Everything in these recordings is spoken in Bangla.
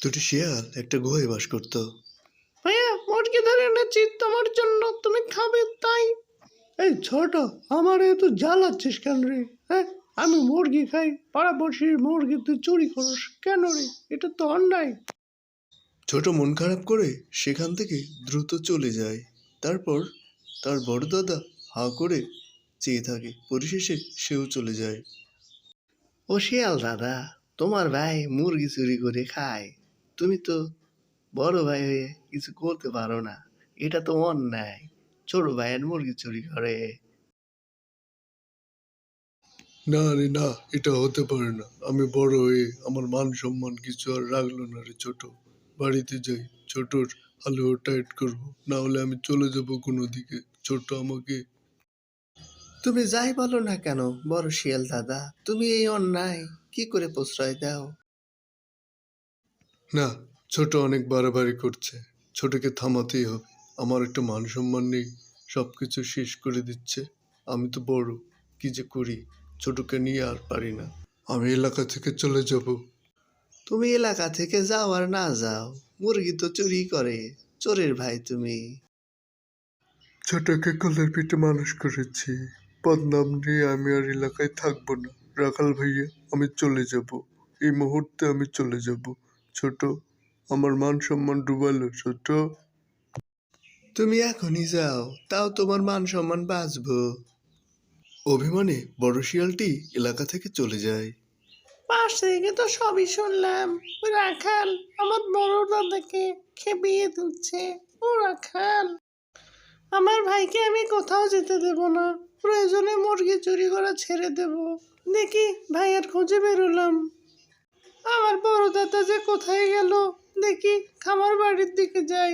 দুটি শিয়াল একটা গুহায় বাস করত। ভাইয়া, মুরগি ধরে এনেছি তোমার জন্য, তুমি খাবে তাই। এই ছোট, আমার এত জ্বালাচ্ছিস কেন রে? হ্যাঁ, আমি মুরগি খাই, পাড়াপড়শির মুরগি তুই চুরি করিস কেন রে? এটা তো অন্যায়। ছোট মন খারাপ করে সেখান থেকে দ্রুত চলে যায়। তারপর তার বড় দাদা হাঁ করে চেয়ে থাকে, পরিশেষে সেও চলে যায়। ও শিয়াল দাদা, তোমার ভাই মুরগি চুরি করে খায়, তুমি তো বড় ভাই হয়ে কিছু করতে পারো না, এটা তো অন্যায়। ছোট ভাইয়ের মুরগি চুরি করে। না রে না, এটা হতে পারে না। আমি বড় হয়ে আমার মান সম্মান কিছু আর রাখলো না রে ছোট। বাড়িতে যাই, ছোটর হালুয়া টাইট করবো, না হলে আমি চলে যাব কোনো দিকে। ছোট আমাকে। তুমি যাই বলো না কেন বড় শিয়াল দাদা, তুমি এই অন্যায় কি করে প্রশ্রয় দাও? না, ছোট অনেক বাড়াবাড়ি করছে। ছোটকে থামাতেই হবে। আমার একটা মান সম্মান নেই, সবকিছু শেষ করে দিচ্ছে। আমি তো বড়, কি যে করি। ছোটকে নিয়ে আর পারি না। আমি এলাকা থেকে চলে যাব। তুমি এলাকা থেকে যাও আর না যাও, মুরগি তো চুরি করে, চোরের ভাই তুমি। ছোটকে কোলের পিঠে মানুষ করেছি, বদনাম নিয়ে আমি আর এলাকায় থাকবো না। রাখাল ভাইয়া, আমি চলে যাব। এই মুহূর্তে আমি চলে যাব। ছোট, আমার মান সম্মান ডুবালো ছোট। তুমি এখনই যাও, তাও তোমার মান সম্মান বাঁচবো। অভিমানে বড় শিয়ালটি এলাকা থেকে চলে যায়। পাশ থেকে তো সবই শুনলাম। ওই রাখাল আমার বড় দাদাকে খেপিয়ে দিচ্ছে। ও রাখাল, আমার ভাইকে আমি কোথাও যেতে দেব না, প্রয়োজনে মুরগি চুরি করা ছেড়ে দেব। দেখি ভাইয়ের খোঁজে বেরোলাম, আমার বড় দাদা যে কোথায় গেল, দেখি খামার বাড়ির দিকে যাই।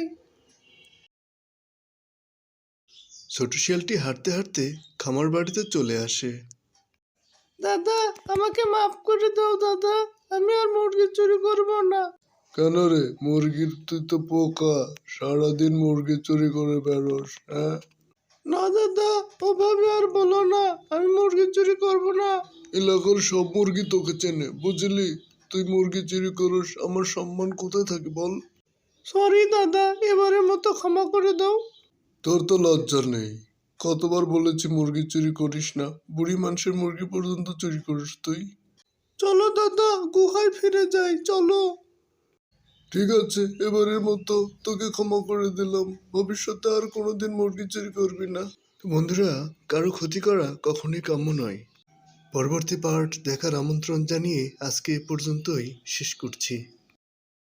ছোট শিয়ালটি হাঁটতে হাঁটতে খামার বাড়িতে চলে আসে। দাদা, আমাকে মাফ করে দাও দাদা, আমি আর মুরগি চুরি করব না। কেন রে, মুরগির তুই তো পোকা, সারাদিন মুরগি চুরি করে বেরোস। হ্যাঁ, না দাদা, ওভাবে আর বলো না, আমি মুরগি চুরি করব না। এলাকার সব মুরগি তোকে চেনে, বুঝলি? তুই মুরগি চুরি করিস, আমার সম্মান কোথায় থাকে বল? সরি দাদা, এবারের মতো ক্ষমা করে দাও। তোর তো লজ্জা নেই। কতবার বলেছি মুরগি চুরি করিস না, বুড়ি মানুষের মুরগি পর্যন্ত চুরি করিস তুই। চলো দাদা, গুহায় ফিরে যাই, চলো। ঠিক আছে, এবারের মতো তোকে ক্ষমা করে দিলাম। ভবিষ্যতে আর কোনোদিন মুরগি চুরি করবি না। বন্ধুরা, কারো ক্ষতি করা কখনোই কাম্য নয়। পরবর্তী পার্ট দেখার আমন্ত্রণ জানিয়ে আজকে এ পর্যন্তই শেষ করছি।